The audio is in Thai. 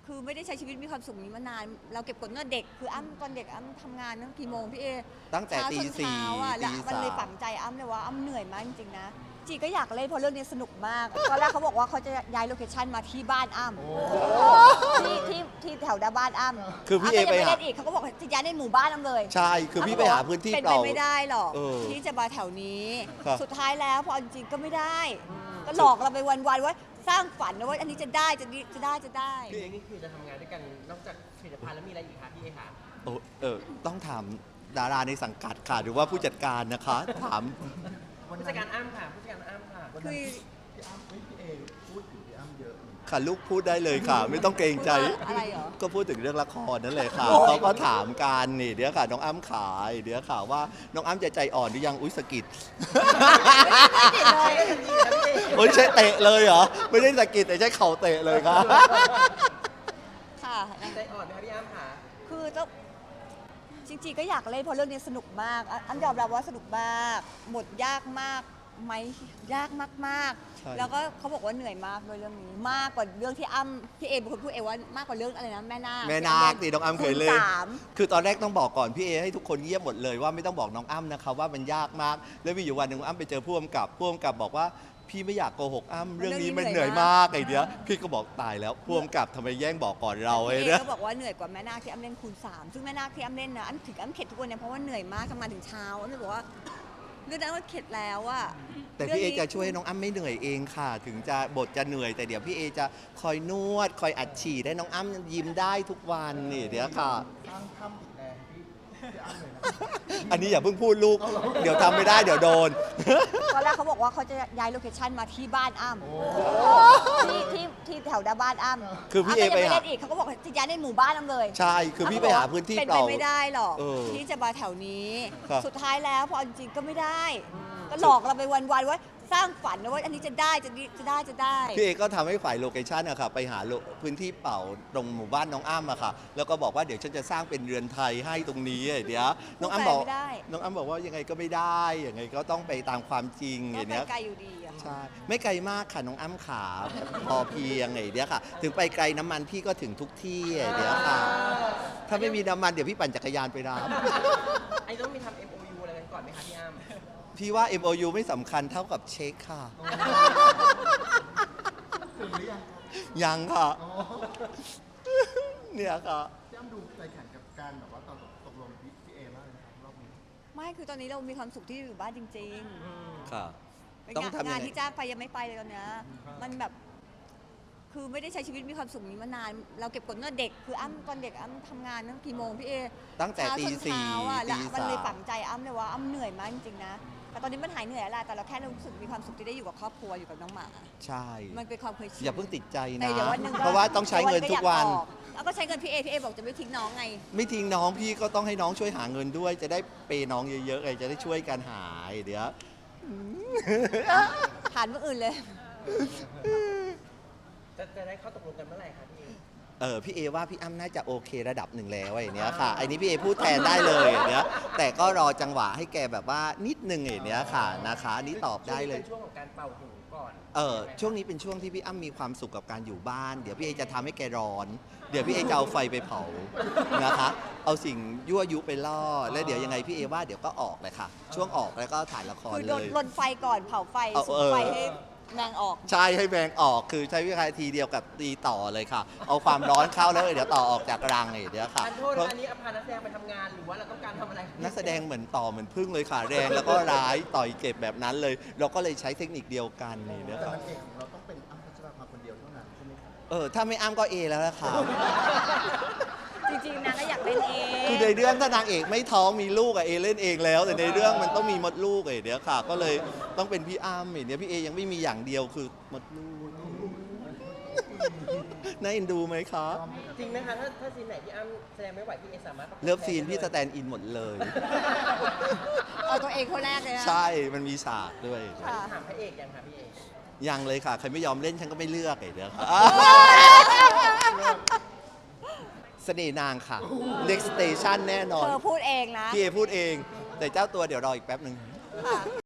คือไม่ได้ใช้ชีวิตมีความสุขนี้มานานเราเก็บกดเมื่อเด็กคืออ้ำตอนเด็กอ้ำทำงานตั้งกี่โมงพี่เอตั้งแต่ตี 4 อ่ะแล้วมันเลยฝังใจอ้ำเลยว่าอ้ำเหนื่อยมากจริงๆนะจีก็อยากเล่นเพราะเรื่องนี้สนุกมากตอนแรกเขาบอกว่าเขาจะย้ายโลเคชั่นมาที่บ้านอ้ำที่แถวด้านบ้านอ้ำคือพี่เอไปหาเล่นอีกเขาก็บอกจะย้ายในหมู่บ้านอ้ำเลยใช่คือพี่ไปหาพื้นที่เป็นเปไปล่าไม่ได้หรอกเออที่จะมาแถวนี้ครับสุดท้ายแล้วพอจริงๆก็ไม่ได้ ก็หลอกเราไปวันๆว่าสร้างฝันนะว่าอันนี้จะได้จะได้พี่เองนี่คือจะทำงานด้วยกันนอกจากผลิตภัณฑ์แล้วมีอะไรอีกคะพี่เอคะต้องถามดาราในสังกัดค่ะหรือว่าผู้จัดการนะคะถามผู้จัดการอ้ำค่ะผู้จัดการอ้ำค่ะคือพี่อ้ำพี่เอพูดถึงพี่อ้ำเยอะค่ะลูกพูดได้เลยค่ะ ไม่ต้องเกรงใจอะไรเหรอก็พูดถึงเรื่องละครนั่นเลยค่ะเขาก็ถามกันนี่เดี๋ยวค่ะน้องอ้ำขายเดี๋ยวค่ะว่าน้องอ้ำจะใจอ่อนหรือยังอุ้ยสะกิด โอ้ยใช่เตะเลยเหรอไม่ได้สะกิดแต่ใช้เข่าเตะเลยครับค่ะใจอ่อนไหมคะพี่อ้ำค่ะคือต้องจริงๆก็อยากเล่นเพราะเรื่องนี้สนุกมากอ้ำยอมรับว่าสนุกมากบทยากมากไหมยากมากใช่ๆแล้วก็เขาบอกว่าเหนื่อยมากด้วยเรื่องนี้มากกว่าเรื่องที่อ้ำพี่เอเป็นคนพูดเองว่ามากกว่าเรื่องอะไรนะแม่นาคแม่นาคที่น้องอ้ำเคยเล่นคูณสามคือตอนแรกต้องบอกก่อนพี่เอให้ทุกคนเงียบหมดเลยว่าไม่ต้องบอกน้องอ้ำนะคะว่ามันยากมากแล้วมีอยู่วันหนึ่งอ้ำไปเจอผู้กำกับบอกว่าพี่ไม่อยากโกหกอ้ำเรื่องนี้มันเหนื่อยมากไอ้เดียวพี่ก็บอกตายแล้วผู้กำกับทำไมแย่งบอกก่อนเราไอ้พี่เอเนี่ยก็บอกว่าเหนื่อยกว่าแม่นาคที่อ้ำเล่นคูณสามซึ่งแม่นาคที่อ้ำเล่นนะอ้ำถึงอ้ำเข็ดทุกวันเนี่ยเพราะว่าเหนื่อยมากทำงานถึงเช้าอ้ำเลยบอกว่าเรื่องนั้นว่าเข็ดแล้วอะแต่พี่เอจะช่วยให้น้องอ้ำไม่เหนื่อยเองค่ะ ถึงจะบทจะเหนื่อยแต่เดี๋ยวพี่เอจะคอยนวดคอยอัดฉีดให้น้องอ้ำยิ้มได้ทุกวันนี่เดี๋ยวค่ะสร้างถ้ำอีกแรงพี่อ้ำเลยนะอันนี้อย่าเพิ่งพูดลูก เดี๋ยวทำไม่ได้เดี๋ยวโดนตอนแรกเขาบอกว่าเขาจะย้ายโลเคชั่นมาที่บ้านอ้ำที่แถวด้านบ้านอ้ำคือพี่เอไปหาเล่นอีกเขาก็บอกจะย้ายในหมู่บ้านอ้ำเลยใช่คือพี่ไปหาพื้นที่เป็นเปไปล่าไม่ได้หรอกเออที่จะมาแถวนี้ครับสุดท้ายแล้วพอจริงๆก็ไม่ได้ ก็หลอกเราไปวันๆว่าสร้างฝันนะว่าอันนี้จะได้พี่เอก็ทำให้ฝ่ายโลเคชันอะค่ะไปหาพื้นที่เปล่าตรงหมู่บ้านน้องอ้ำอะค่ะแล้วก็บอกว่าเดี๋ยวฉันจะสร้างเป็นเรือนไทยให้ตรงนี้เดี๋ยวน้องอ้ำบอกไม่ได้น้องอ้ำบอกว่ายังไงก็ไม่ได้ยังไงก็ต้องไปตามความจริงก็อย่างไปเนี้ยไกลอยู่ดีอะใช่ไม่ไกลมากค่ะน้องอ้ำขาพอเพียงไงเดี๋ยวค่ะ ถึงไปไกลน้ำมันพี่ก็ถึงทุกที่เดี๋ยวค่ะ ถ้าไม่มีน้ำมันเดี๋ยวพี่ปั่นจักรยานไปรับไอ้ต้องมีทำ MOU อะไรกันก่อนไหมคะพี่อ้ำพี่ว่า MOU ไม่สำคัญเท่ากับเช็คค่ะถึงหรือยังครับยังค่ะอ๋อเนี่ยค่ะพี่อ้ำดูใจแข็งกับการแบบว่าตกลงพี่เอมากเลยครับรอบนี้ไม่คือตอนนี้เรามีความสุขที่อยู่บ้านจริงค่ะๆเป็นต้องทำยังไงงานที่จ้างไปยังไม่ไปเลยตอนเนี้ยมันแบบ คือไม่ได้ใช้ชีวิตมีความสุขนี้มานาน เราเก็บกดเมื่อเด็กคืออ้ำตอนเด็กอ้ำทำงานตั้งกี่โมงพี่เอตั้งแต่ตีเช้าจน 4 เช้าอ่ะแล้วตีมันเลย 3 ฝังใจอ้ำเลยว่าอ้ำเหนื่อยมากจริงๆนะแต่ตอนนี้มันหายเหนื่อยแล้วล่ะแต่เราแค่รู้สึกมีความสุขที่ได้อยู่กับครอบครัวอยู่กับน้องหมาใช่มันเป็นความเคยชินอย่าเพิ่งติดใจแต่นะเดี๋ยววันหนึ่งก็เพราะว่าต้องใช้เงินทุกวันอยาออแล้วก็ใช้เงินพี่เอบอกจะไม่ทิ้งน้องไงไม่ทิ้งน้องพี่ก็ต้องให้น้องช่วยหาเงินด้วย จะได้เปย์น้องเยอะๆไงจะได้ช่วยกันหายเดี๋ยวผ่านเมื่ออื่นเลยจะได้เข้าตกลงกันเมื่อไหร่คะพี่เอพี่เอว่าพี่อ้ำน่าจะโอเคระดับหนึ่งแล้วไอ้เนี้ยค่ะไอ้นี้พี่เอพูดแทนได้เลยไอ้เนี้ยแต่ก็รอจังหวะให้แกแบบว่านิดนึงไอ้เนี้ยค่ะนะคะอันนี้ตอบได้เลยเป็นช่วงของการเป่าหูก่อนช่วงนี้เป็นช่วงที่พี่อ้ำมีความสุขกับการอยู่บ้าน เดี๋ยวพี่เอจะทำให้แกร้อน เดี๋ยวพี่เอจะเอาไฟไปเผานะคะเอาสิ่งยั่วยุไปล่อแล้วเดี๋ยวยังไงพี่เอว่าเดี๋ยวก็ออกเลยค่ะ ช่วงออกแล้วก็ถ่ายละครคือเลยลนไฟก่อนเผาไฟเอาสุมไฟให้แมงออกใช่ให้แมงออกคือใช้วิธีทีเดียวกับตีต่อเลยค่ะ เอาความร้อนเข้าแล้วเดี๋ยวต่อออกจากรังเดี๋ยวค่ะอันโทษนะอันนี้เอาพานักแสดงไปทำงานหรือว่าเราต้องการทำอะไรนักแสดงเหมือนต่อเหมือนพึ่งเลยค่ะแรงแล้วก็ร้ายต่อยเก็บแบบนั้นเลย เราก็เลยใช้เทคนิคเดียวกันนี่นะแต่ครับนางเอกของเราต้องเป็นอ้ำพัชราภาคนเดียวเท่านั้นใช่ไหมครับถ้าไม่อ้ำก็เอแล้วละค่ะจริงๆนางก็อยากเล่นเองคือในเรื่องถ้านางเอกไม่ท้องมีลูกอะเอเล่นเองแล้ว แต่ในเรื่องมันต้องมีมดลูกเดี๋ยวค่ะ ก็เลยต้องเป็นพี่อ้ำเดี๋ยวพี่เอยังไม่มีอย่างเดียวคือมดลูก น่าเอ็นดูไหมคะจริงไหมคะถ้าซีนไหนพี่อ้ำแสดงไม่ไหวพี่เอสามารถประกบเลิฟซีนพี่สได้แตนด์อินหมดเลยเอาตัวเองคนแรกเลยนะใช่มันมีฉากด้วยค่ะถามพระเอกยังคะพี่เอยังเลยค่ะ ใครไม่ยอมเล่นฉันก็ไม่เลือกเดี๋ยวค่ะเสน่ห์นางค่ะ Next Station แน่นอนเธอพูดเองนะพี่เอพูดเอง แต่เจ้าตัวเดี๋ยวรออีกแป๊บหนึ่งค่ะ